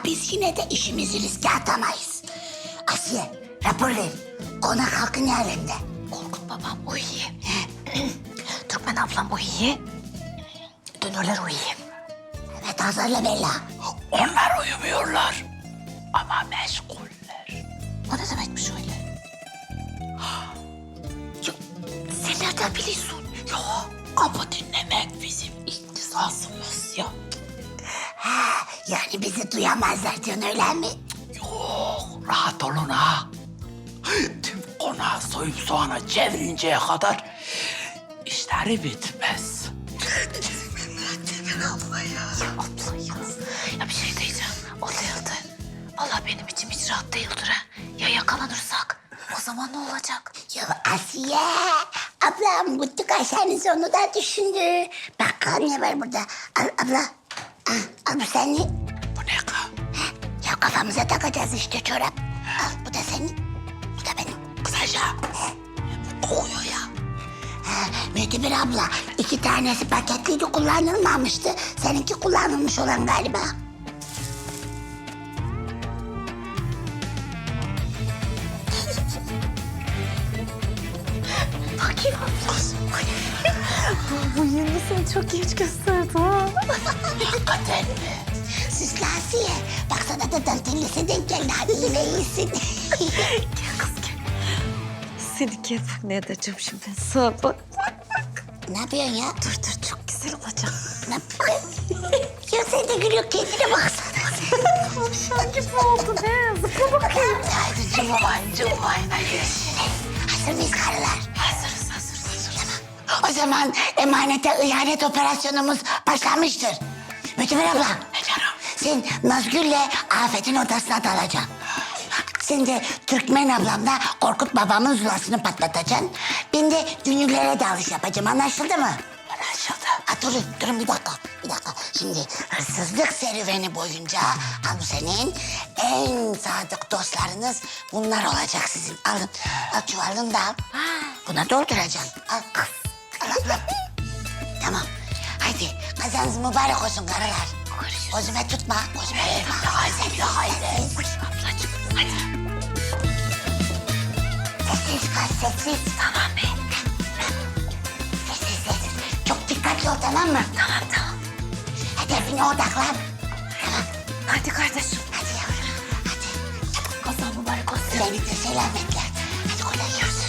biz yine de işimizi riske atamayız. Asiye, rapor ver. Konak halkın yerinde. Korkut babam uyuyor. Türkmen ablam uyuyor. Dönürler uyuyor. Evet, hazırla Bella. Onlar uyumuyorlar. Ama meşguller. O ne demekmiş öyle? Ya, sen nereden biliyorsun? Ya kapı dinlemek bizim ihtisasımız ya. Ha, yani bizi duyamazlar diyorsun, öyle mi? Yok, rahat olun ha. Tüm konağı soyup soğana çevirinceye kadar işleri bitmez. Abla ya. Ya bir şey diyeceğim. O değildi. Vallahi benim içim hiç rahat değildir ha. Ya yakalanırsak? O zaman ne olacak? Ya Asiye, ablam bu kaşarın sonu da düşündü. Bakalım ne var burada. Al abla, al bu senin. Bu ne ka? Ya kafamıza takacağız işte çorap. Al bu da senin, bu da benim. Kısaca kokuyor ya. Ha, Müdür abla, 2 tanesi paketliydi, kullanılmamıştı. Seninki kullanılmış olan galiba. Bakayım abla. Bu yeni seni çok genç gösterdi ha. Hakikaten mi? Süslü Asiye, baksana da dantellisi denk geldi. Hadi yine iyisin. Gel kız gel. Seni gel bak ne edeceğim şimdi ben sana bak. Ne yapıyorsun ya? Dur çok güzel olacak. Ne ya sen de gülüyor, kendine baksana. Tavşan gibi oldu ne? Zıpla bakayım. Hadi cıvmayın hadi. Hazır mıyız karılar? Hazırız. O zaman emanete ihanet operasyonumuz başlamıştır. Müdür abla, Efendim? sen Nazgül'le Afet'in odasına dalacaksın. Sen de Türkmen ablamla Korkut babamın zulasını patlatacaksın. Ben de dünürlere dalış yapacağım, anlaşıldı mı? Anlaşıldı. Ha, durun bir dakika. Şimdi hırsızlık serüveni boyunca al bu senin en sadık dostlarınız bunlar olacak sizin. Alın, al çuvalını da al. Buna dolduracaksın. Al kız. Al. Tamam. Haydi kazanız mübarek olsun karılar. Gözüme tutma, gözüme tutma. Haydi. Ablacığım hadi. Sessiz kal, sessiz. Tamam be. Sessiz. Çok dikkatli ol, tamam mı? Tamam. Hedefine odaklan. Hadi kardeşim. Hadi yavrum, hadi. Kazan mübarek olsun. Seni de selametle. Hadi kolay gelsin.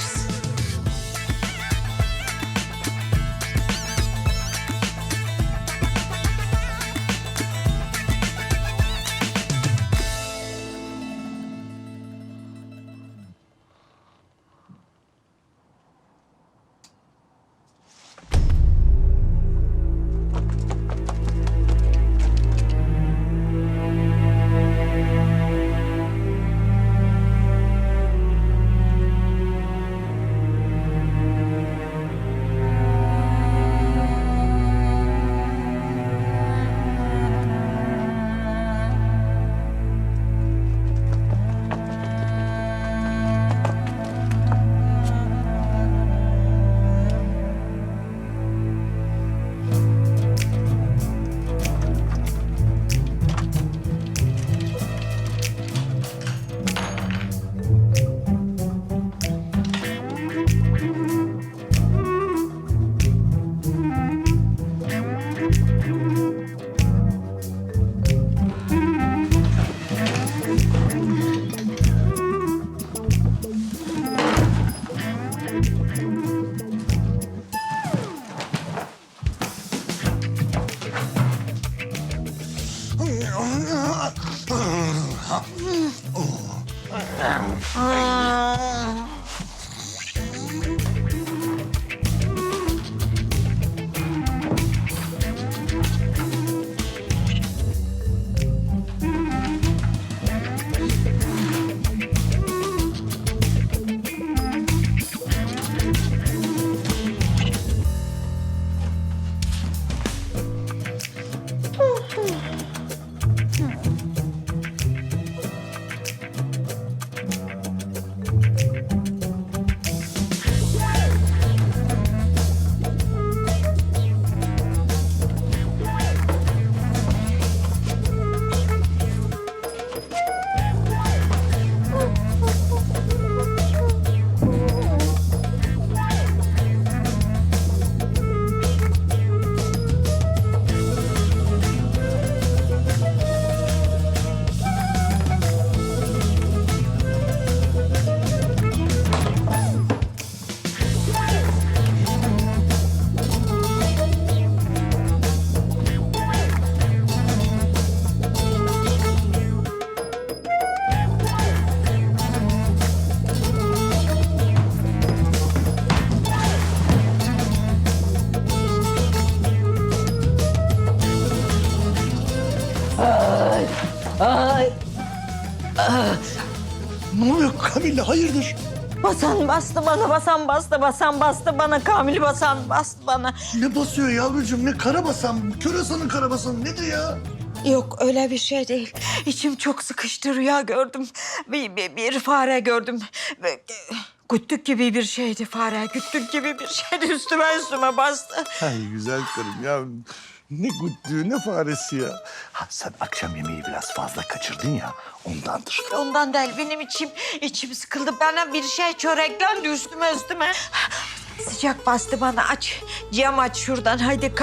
Ne oluyor Kamilla, hayırdır? Basan bastı bana, basan bastı bana. Kamil basan bastı bana. Ne basıyor yavrucuğum, ne karabasan, Körasan'ın karabasanı nedir ya? Yok öyle bir şey değil. İçim çok sıkıştı, rüya gördüm. Bir fare gördüm. Güttük gibi bir şeydi fare, güttük gibi bir şeydi. Üstüme bastı. Ay güzel karım ya. Ne güttüğü, ne faresi ya. Ha, sen akşam yemeği biraz fazla kaçırdın ya, ondandır. Ondan değil, benim içim sıkıldı. Bana bir şey çöreklendi üstüme. Sıcak bastı bana, aç. Cam aç şuradan, haydi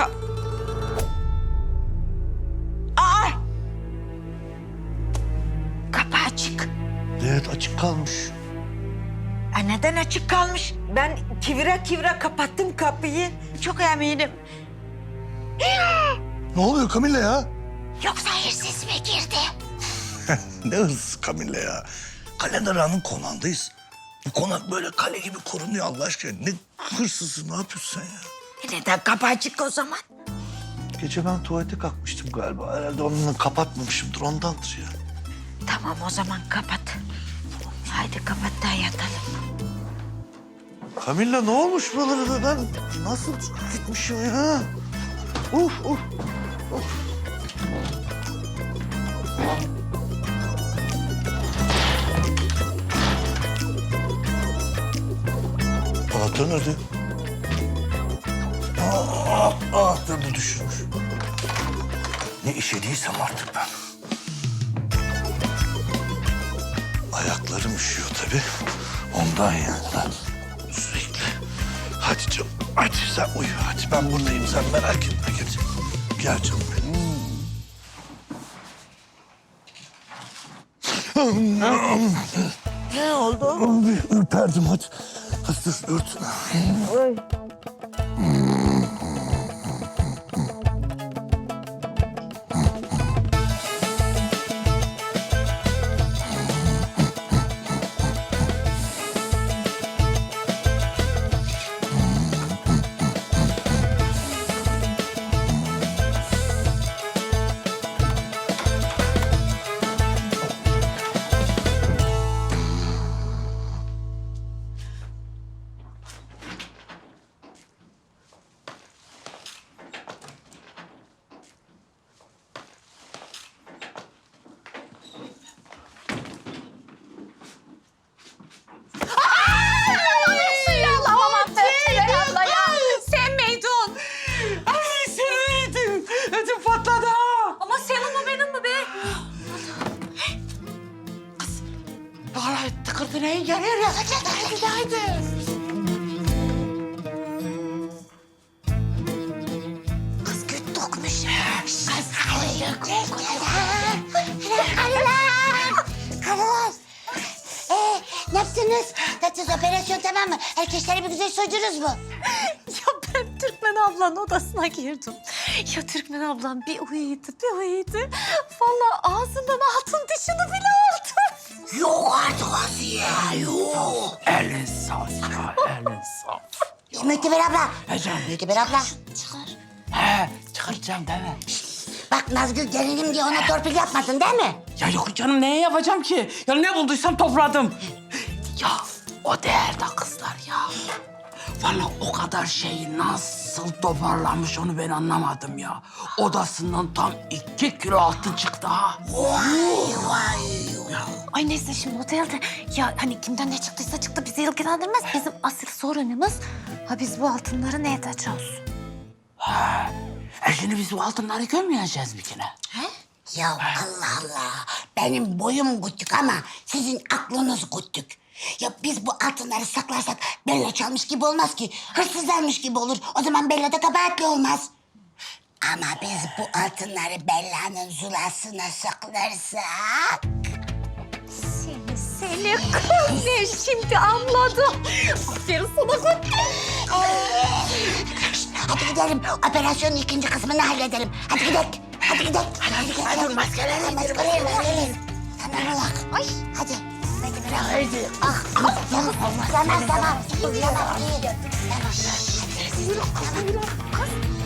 Aa! Kapı açık. Evet, açık kalmış. Neden açık kalmış? Ben kivire kapattım kapıyı. Çok eminim. Ne oluyor Kamilla ya? Yoksa hırsız mı girdi? Ne hırsız Kamilla ya? Kalender Ağa'nın konağındayız. Bu konak böyle kale gibi korunuyor Allah aşkına. Ne hırsızı, ne yapıyorsun sen ya? Neden kapı açık o zaman? Gece ben tuvalete kalkmıştım galiba. Herhalde onunla kapatmamışımdır, ondandır ya. Tamam o zaman kapat. Haydi kapat da yatalım. Kamilla ne olmuş buralara da ben nasıl gitmişim ya? Uf. Anahtar nerede? Anahtarını düşürmüş. Ne işediysem artık ben. Ayaklarım üşüyor tabii. Ondan yani ben sürekli. Hadi canım, hadi sen uyu. Hadi ben buradayım, sen merak etme. Gel canım benim. Ne oldu? Bir ürperdim hadi. Hadi dur, ört. Sen miydin? Ay sen miydin? Ödüm patladı ha. Ama senin mi benim mi be? Vallahi tıkırdı neyin geliyor ya. Haydi. Kız güt dokmuş. Karılar. Ne yaptınız? Tatsız operasyon tamam mı? Herkesleri bir güzel soydunuz mu? Ya ben Türkmen ablanın odasına girdim. Ya Türkmen ablam bir uyuydu. Vallahi ağzından altın dişini bile aldı. Yok artık Asiye. Yok. Elin saf ya, elin saf. Müteber abla. Müteber abla. He, çıkaracağım değil mi? Bak Nazgül gelinim diye ona torpil yapmadın değil mi? Ya yok canım, neye yapacağım ki? Ya ne bulduysam topladım. Ya o değerde kızlar ya. Vallahi o kadar şeyi nasıl toparlamış onu ben anlamadım ya. Odasından tam 2 kilo altın çıktı ha. Ay neyse şimdi otelde ya hani kimden ne çıktıysa çıktı bizi ilgilendirmez. Bizim asıl sorunumuz biz bu altınları ne edeceğiz? Şimdi biz bu altınları görmeyeceğiz bir kere. Ya Allah Allah. Benim boyum güttük ama sizin aklınız güttük. Ya biz bu altınları saklarsak Bella çalmış gibi olmaz ki. Hırsız almış gibi olur. O zaman Bella da kabahatli olmaz. Ama biz bu altınları Bella'nın zulasına saklarsak... Seni kız ne şimdi anladım. Aferin sana kız. Hadi gidelim. Operasyonun ikinci kısmını halledelim. Hadi gidelim. Hadi maskeleri indirin. Tamam olak. Ay. Hadi. Hadi bırak. Haydi. Tamam. İyi. Tamam.